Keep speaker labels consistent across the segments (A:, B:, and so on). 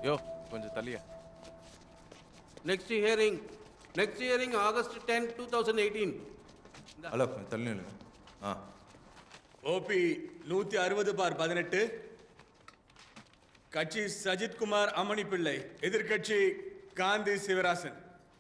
A: யோ கொஞ்சம் தள்ளியா.
B: Next hearing August 10, 2018.
A: Hello கொஞ்சம் தள்ளி நில்லுங்க.
C: ஓபி 160/18. கட்சி சஜித்குமார் அமணி பிள்ளை, எதிர்கட்சி காந்தி சிவராசன்.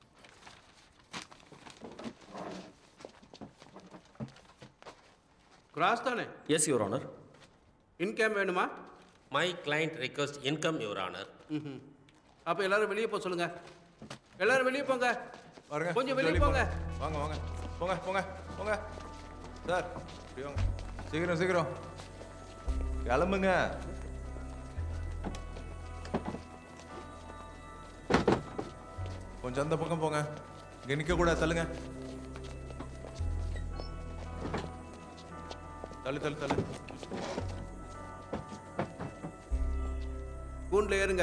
B: Cross தானே?
D: Yes, Your Honor.
B: இன்கம் வேணுமா?
E: My client request income, Your Honor.
B: அப்போ எல்லாரும் வெளியே போக சொல்லுங்க. எல்லாரும் வெளியே போங்க.
A: பாருங்க
B: கொஞ்சம் வெளியே போங்க.
A: வாங்க வாங்க போங்க போங்க போங்க சார். இப்படி வாங்க. சீக்கிரம் சீக்கிரம் கிளம்புங்க. கொஞ்சம் அந்த பக்கம் போங்க. இங்க நிக்க கூட தள்ளுங்க. தள்ளு தள்ளு தள்ளு.
B: கூண்டில் ஏறுங்க.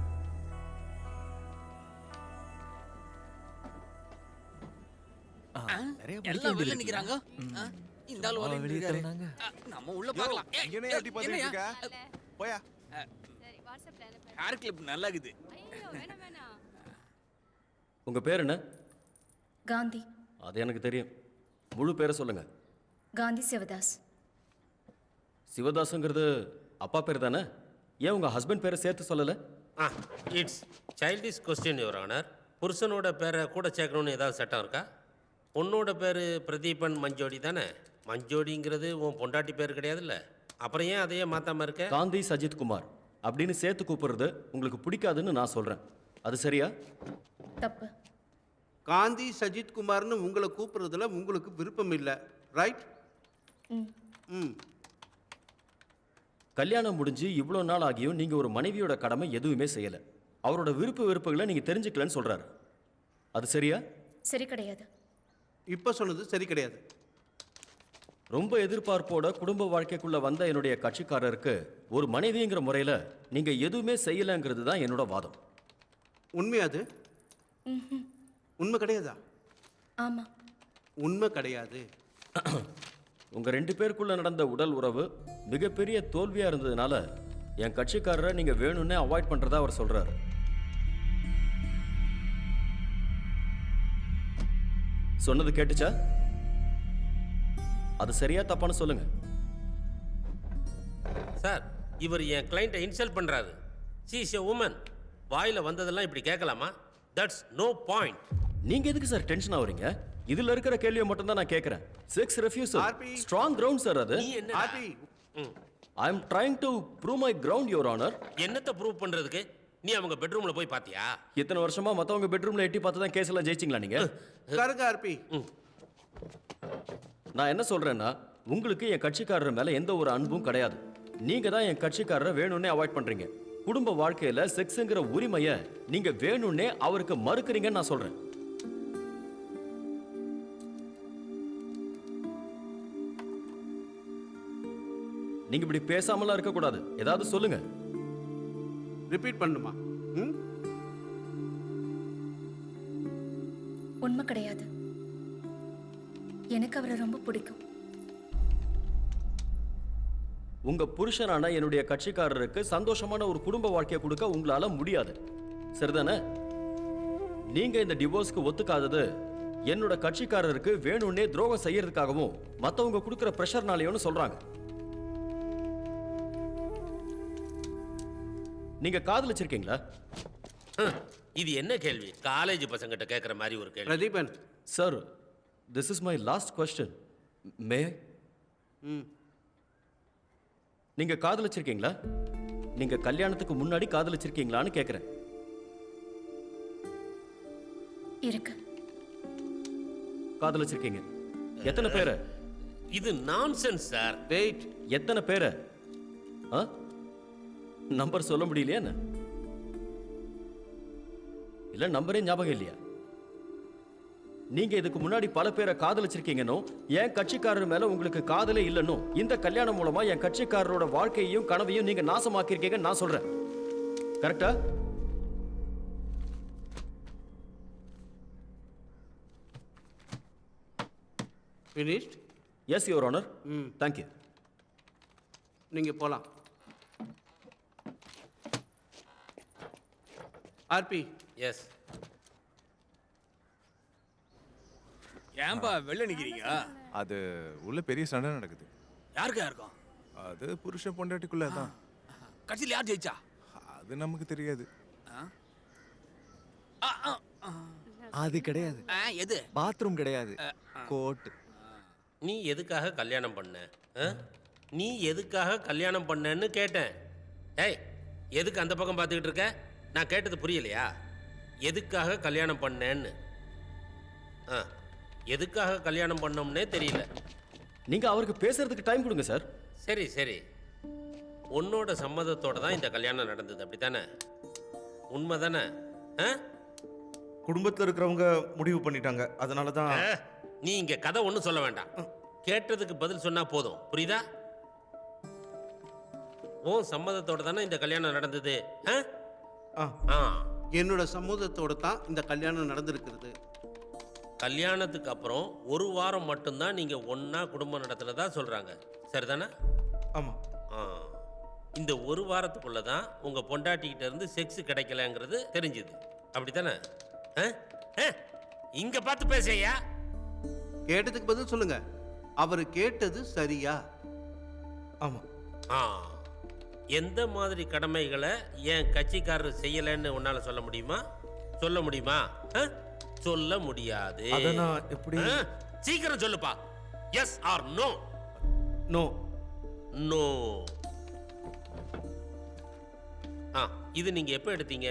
F: எல்லாம் வெளிய நிக்கறாங்க. இந்த ஆளு வர நிக்கறாரு. நம்ம உள்ள பார்க்கலாம்.
A: இங்கனே எட்டி பார்த்துட்டு இருக்க. போயா.
G: சரி வாட்ஸ்அப்ல அனுப்பு.
F: ஹேர் கிளிப் நல்லா இருக்குது.
G: ஐயோ வேணாம் வேணாம்.
D: உங்க பேர் என்ன?
H: காந்தி.
D: அது எனக்கு தெரியும். முழு பேரை சொல்லுங்க.
H: காந்தி சிவதாஸ்.
D: சிவதாஸுங்கிறது அப்பா பேர் தானே? ஏன் உங்க ஹஸ்பண்ட் பேரை சேர்த்து சொல்லல?
E: It's childish question, your honour. புருஷனோட பேரை கூட சேர்க்கணும்னு ஏதாவது சட்டம் இருக்கா? பொண்ணோட பேர் பிரதீபன் மஞ்சோடி தானே? மஞ்சோடிங்கிறது உன் பொண்டாட்டி பேர் கிடையாதுல்ல? அப்புறம் ஏன் அதையே மாற்றாமல் இருக்க?
D: காந்தி சஜித் குமார் அப்படின்னு சேர்த்து கூப்பிடுறது உங்களுக்கு பிடிக்காதுன்னு நான் சொல்கிறேன். அது சரியா?
H: தப்பு.
B: காந்தி சஜித் குமார்னு உங்களை கூப்பிடுறதுல உங்களுக்கு விருப்பம் இல்லை, ரைட்? ம்.
D: கல்யாணம் முடிஞ்சு இவ்வளோ நாள் ஆகியும் நீங்கள் ஒரு மனைவியோட கடமை எதுவுமே செய்யலை. அவரோட விருப்ப வெறுப்புகளை நீங்கள் தெரிஞ்சுக்கலன்னு சொல்கிறாரு. அது சரியா?
H: சரி கிடையாது.
B: இப்போ சொன்னது சரி கிடையாது.
D: ரொம்ப எதிர்பார்ப்போட குடும்ப வாழ்க்கைக்குள்ள வந்த என்னுடைய கட்சிக்காரருக்கு ஒரு மனைவிங்கிற முறையில் நீங்கள் எதுவுமே செய்யலைங்கிறது தான் என்னோட வாதம்.
B: உண்மையா அது? உண்மை கிடையாதா?
H: ஆமாம்,
B: உண்மை கிடையாது.
D: உங்கள் 2 பேருக்குள்ள நடந்த உடல் உறவு மிகப்பெரிய தோல்வியாக இருந்ததுனால என் கட்சிக்காரரை நீங்கள் வேணும்னே அவாய்ட் பண்ணுறதா அவர் சொல்கிறாரு. சொன்னது கேட்டுச்சா? அது சரியா தப்பான்னு சொல்லுங்க.
E: சார், இவர் என் கிளைண்ட்டை இன்சல்ட் பண்ணுறாரு. She is a woman. வாயில் வந்ததெல்லாம் இப்படி கேட்கலாமா? That's no point.
D: நீங்க எதுக்கு சார் டென்ஷன் ஆவறீங்க? இதுல இருக்கிற கேள்வியை மட்டும் தான் நான் கேட்கிறேன். 6 refusal. ஸ்ட்ராங் கிரவுண்ட் சார் அது.
E: நீ என்ன?
D: I am trying to prove my ground, Your Honor.
E: என்னத்தை ப்ரூவ் பண்ணுறதுக்கு? நீ அவங்க பெட்ரூம்ல போய் பார்த்தியா?
D: இத்தனை வருஷமா மத்தவங்க பெட்ரூம்ல எட்டி பார்த்து தான் கேஸ் எல்லாம் ஜெயிச்சிங்களா நீங்க?
B: கருங்க ஆர்பி.
D: நான் என்ன சொல்றேன்னா, உங்களுக்கு என் கட்சிக்காரர் மேல எந்த ஒரு அன்பும் கிடையாது. நீங்க தான் என் கட்சிக்காரரை வேணும்னே அவாய்ட் பண்றீங்க. குடும்ப வாழ்க்கையில செக்ஸ்ங்கிற உரிமையை நீங்க வேணும்னே அவருக்கு மறுக்கிறீங்கன்னு நான் சொல்றேன். நீங்க இப்படி பேசாமலாம் இருக்க கூடாது. ஏதாவது சொல்லுங்க.
B: ரிப்பீட் பண்ணுமா?
H: உண்மை கிடையாது. எனக்கு அவரை ரொம்ப பிடிக்கும்.
D: உங்க புருஷனான என்னுடைய கட்சிக்காரருக்கு சந்தோஷமான ஒரு குடும்ப வாழ்க்கையை கொடுக்க உங்களால முடியாது. சரிதானே? நீங்க இந்த டிவோர்ஸ்க்கு ஒத்துக்காதது என்னோட கட்சிக்காரருக்கு வேணும்னே துரோகம் செய்யறதுக்காகவும் மத்தவங்க கொடுக்கிற பிரஷர்னாலேயும் சொல்றாங்க. நீங்க காதலிச்சிருக்கீங்களா?
E: இது என்ன கேள்வி? காலேஜ் பசங்கிட்ட கேட்குற மாதிரி ஒரு கேள்வி.
B: Pradeepan
D: sir, this is my last question. மே நீங்க காதலிச்சிருக்கீங்களா? நீங்க கல்யாணத்துக்கு முன்னாடி காதலிச்சிருக்கீங்களான்னு கேட்கிறேன்.
H: இருக்கு.
D: காதலிச்சிருக்கீங்க. எத்தனை பேரை?
E: இது நான்சென்ஸ் சார்.
B: வெயிட்.
D: எத்தனை பேரை? நம்பர் சொல்ல முடியலையா என்ன? இல்ல நம்பரே ஞாபகம் இல்லையா? நீங்க இதுக்கு முன்னாடி பல பேரை காதலிச்சிருக்கீங்கன்னு, என் கட்சிக்காரர் மேல உங்களுக்கு காதலே இல்லைன்னு, இந்த கல்யாணம் மூலமா என் கட்சிக்காரரோட வாழ்க்கையையும் கனவையும் நீங்க நாசமாக்கிருக்கீங்க நான் சொல்றேன். கரெக்டா?
B: finished?
D: Yes, Your Honor. Thank you.
B: நீங்க போலாம். ஆர்பி,
E: எஸ்.
F: ஏன்பா வெளில நிக்கிறீங்க?
A: அது உள்ள பெரிய சண்டை நடக்குது.
F: யாருக்கா இருக்கும்?
A: அது புருஷன் பொண்டாட்டிக்குள்ள தான்.
F: கட்சியில் யார் ஜெயிச்சா?
A: அது நமக்கு தெரியாது.
I: அது கிடையாது.
F: எது?
I: பாத்ரூம் கிடையாது, கோட்.
E: நீ எதுக்காக கல்யாணம் பண்ண? நீ எதுக்காக கல்யாணம் பண்ணன்னு கேட்டேன். ஏய், எதுக்கு அந்த பக்கம் பார்த்துக்கிட்டு இருக்க? நான் கேட்டது புரியலையா? எதுக்காக கல்யாணம் பண்ணேன்னு. எதுக்காக கல்யாணம் பண்ணோம்னே தெரியல.
D: நீங்க அவருக்கு பேசுறதுக்கு டைம் கொடுங்க சார்.
E: சரி சரி, உன்னோட சம்மதத்தோட தான் இந்த கல்யாணம் நடந்தது, அப்படித்தானே? உண்மை தானே?
I: குடும்பத்துல இருக்கிறவங்க முடிவு பண்ணிட்டாங்க, அதனால தான்.
E: நீ இங்க கதை ஒன்றும் சொல்ல வேண்டாம். கேட்டதுக்கு பதில் சொன்னா போதும், புரியுதா? உன் சம்மதத்தோட தானே இந்த கல்யாணம் நடந்தது?
B: என்னோட சம்மதத்தோட தான் இந்த கல்யாணம் நடந்திருக்கிறது.
E: கல்யாணத்துக்கு அப்புறம் ஒரு வாரம் மட்டும்தான் நீங்க ஒண்ணா குடும்பம் நடத்துறதா சொல்றாங்க, சரிதானே?
I: ஆமா.
E: இந்த ஒரு வாரத்துக்குள்ள தான் உங்க பொண்டாட்டிக்கிட்ட இருந்து செக்ஸ் கிடைக்கலங்கிறது தெரிஞ்சுது, அப்படித்தானே? இங்க பார்த்து பேசையா?
B: கேட்டதுக்கு பதில் சொல்லுங்க. அவர் கேட்டது சரியா?
I: ஆமா.
E: எந்த மாதிரி கடமைகளை என் கட்சிக்காரர் செய்யலைன்னு உன்னால சொல்ல முடியுமா? சொல்ல முடியுமா? சொல்ல முடியாது.
I: அத நான் எப்படி?
E: சீக்கிரம் சொல்லுப்பா. Yes or no?
I: No.
E: No. இது நீங்க எப்ப எடுத்தீங்க?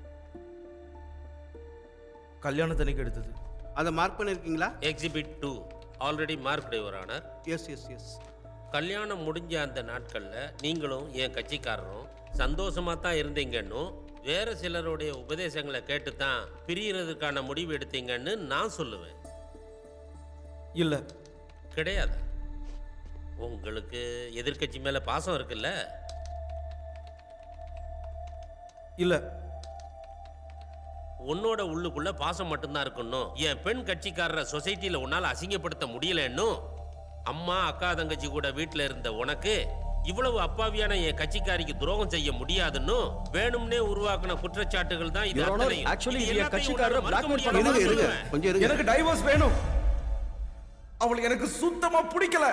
I: கல்யாணத்தன்னைக்கு எடுத்தது.
B: அதை மார்க் பண்ணிருக்கீங்களா?
E: Exhibit 2 already marked your honour.
B: Yes yes yes.
E: கல்யாணம் முடிஞ்ச அந்த நாட்கள்ல நீங்களும் என் கட்சிக்காரரும் சந்தோஷமா தான் இருந்தீங்கன்னு, வேற சிலருடைய உபதேசங்களை கேட்டு தான் பிரியறதுக்கான முடிவு எடுத்தீங்கன்னு நான் சொல்லுவேன்.
I: இல்ல.
E: கிடையாது. உங்களுக்கு எதிர்க்கட்சி மேல பாசம் இருக்குல்ல?
I: இல்ல.
E: உன்னோட உள்ளுக்குள்ள பாசம் மட்டும்தான் இருக்கணும். என் பெண் கட்சிக்காரரை சொசைட்டில உன்னால அசிங்கப்படுத்த முடியலன்னு அம்மா அக்கா தங்கச்சி கூட வீட்டுல இருந்த உனக்கு இவ்வளவு அப்பாவியான என் கட்சிக்காரிக்கு துரோகம் செய்ய முடியாதுன்னு வேணும்னே உருவாக்குன குற்றச்சாட்டுகள் தான் இது.
D: ஆக்சுவலி என் கட்சிக்காரரை பிளாக்மெயில் பண்ண.
B: கொஞ்சம் இருங்க.
I: எனக்கு டைவோர்ஸ் வேணும். அவளுக்கு எனக்கு சுத்தமா பிடிக்கல.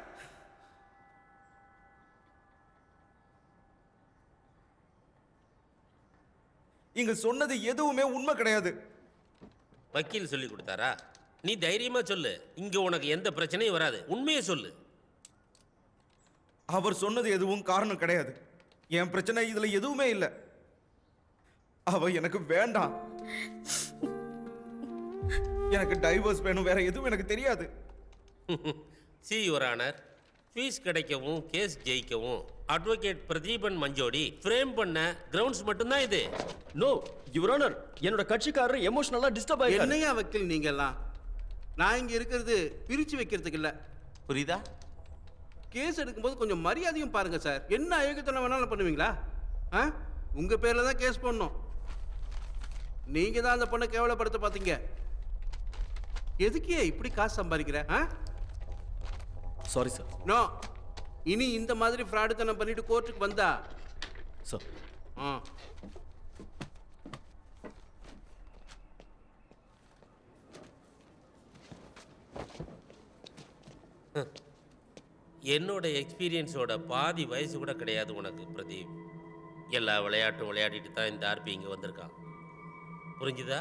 I: இங்க சொன்னது எதுவுமே உண்மை கிடையாது.
E: வக்கீல் சொல்லி கொடுத்தாரா? நீ தைரியமா சொல்லு, இங்க உனக்கு எந்த பிரச்சனையும் வராது. உண்மையை சொல்லு.
I: அவர் சொன்னது எதுவும் காரணம் கிடையாது. என் பிரச்சனை இதுல எதுவுமே இல்ல. அவ எனக்கு வேண்டாம். எனக்கு டைவர்ஸ் வேணும், வேற எதுவும் எனக்கு தெரியாது.
E: சி யுவர் ஆனர், ஃபீஸ் கிடைக்கவும் கேஸ் ஜெயிக்கவும் அட்வொகேட் பிரதீபன் மஞ்சோடி ஃப்ரேம் பண்ண கிரவுண்ட்ஸ் மட்டும்தான் இது.
D: நோ யுவர் ஆனர், என்னோட கட்சிக்காரர் எமோஷனலா டிஸ்டர்ப் ஆயிட்டாரு.
B: என்னையா வக்கீல் நீங்க எல்லாம்? நான் இங்க இருக்கிறது பிரிச்சு வைக்கிறதுக்கு இல்ல,
J: புரியுதா?
B: கேஸ் எடுக்கும்போது கொஞ்சம் மரியாதையும் பாருங்க சார். என்ன அயோக்கியத்தனம் வேணாலும் பண்ணுவீங்களா? உங்க பேர்ல தான் கேஸ் போடணும். நீங்க தான் அந்த பொண்ணை கேவலப்படுத்த பாத்தீங்க. எதுக்கே இப்படி காசு சம்பாதிக்கிற?
D: Sorry sir.
B: நோ, இனி இந்த மாதிரி ஃப்ராடுத்தனம் பண்ணிட்டு கோர்ட்டுக்கு வந்தா
D: சார்.
E: என்னோட எக்ஸ்பீரியன்ஸோட பாதி வயசு கூட கிடையாது உனக்கு பிரதீப். எல்லா விளையாட்டும் விளையாடிட்டு தான் இந்த ஆர்பி இங்கே வந்திருக்கான், புரிஞ்சுதா?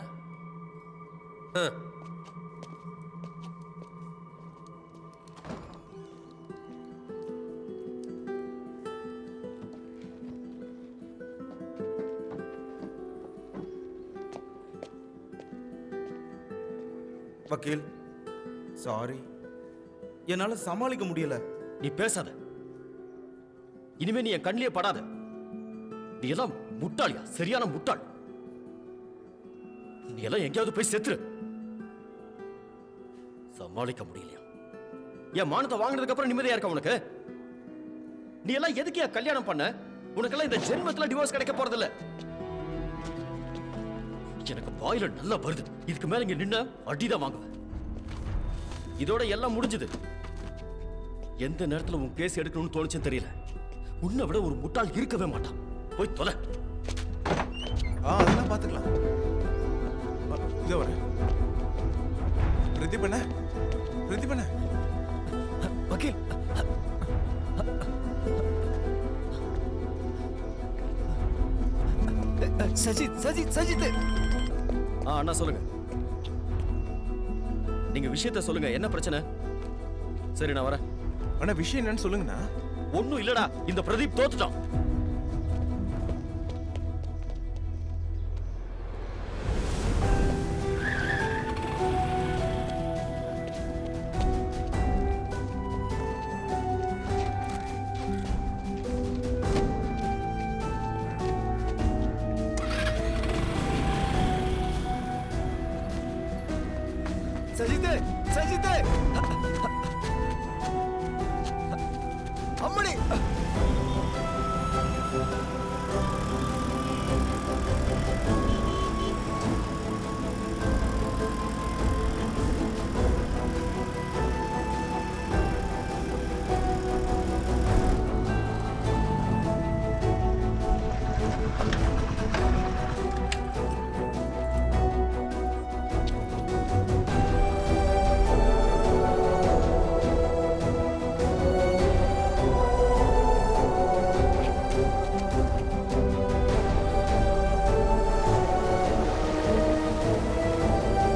I: வக்கீல், சாரி, என்னால சமாளிக்க முடியல.
D: நீ பேசாத. இனிமே நீ என் கண்ணிலே படாத. நீ எல்லாம் முட்டாளியா? சரியான முட்டாள். நீ எல்லாம் எங்கேயாவது போய் செத்துரு. சமாளிக்க முடியலையா? என் மானத்தை வாங்கினதுக்கு அப்புறம் நிம்மதியா இருக்க உனக்கு? நீ எல்லாம் எதுக்கு கல்யாணம் பண்ண? உனக்கெல்லாம் இந்த ஜென்மத்துல டிவோர்ஸ் கிடைக்க போறதில்ல. எனக்கு வாயில நல்லா வருது. இதுக்கு மேல இங்க நின்ன அடிதான் வாங்குவேன். இதோட எல்லாம் முடிஞ்சது. எந்த நேரத்துல உன் கேஸ் எடுக்கணும்னு தோணுச்சுன்னு தெரியல. உன்னை விட ஒரு முட்டாள் இருக்கவே மாட்டான். போய் தொலை.
A: அதெல்லாம் பாத்துக்கலாம். இதோ வரேன். பிரதீப் அண்ணா, பிரதீப் அண்ணா.
J: வக்கீல், சஜித் சஜித் சஜித்.
D: அண்ணா சொல்லுங்க. நீங்க விஷயத்த சொல்லுங்க, என்ன பிரச்சனை? சரி நான் வரேன்.
A: அண்ணா விஷயம் என்னன்னு சொல்லுங்கண்ணா.
D: ஒண்ணும் இல்லடா, இந்த பிரதீப் தோத்துட்டான்.
J: சஜித் சஜித், அம்மணி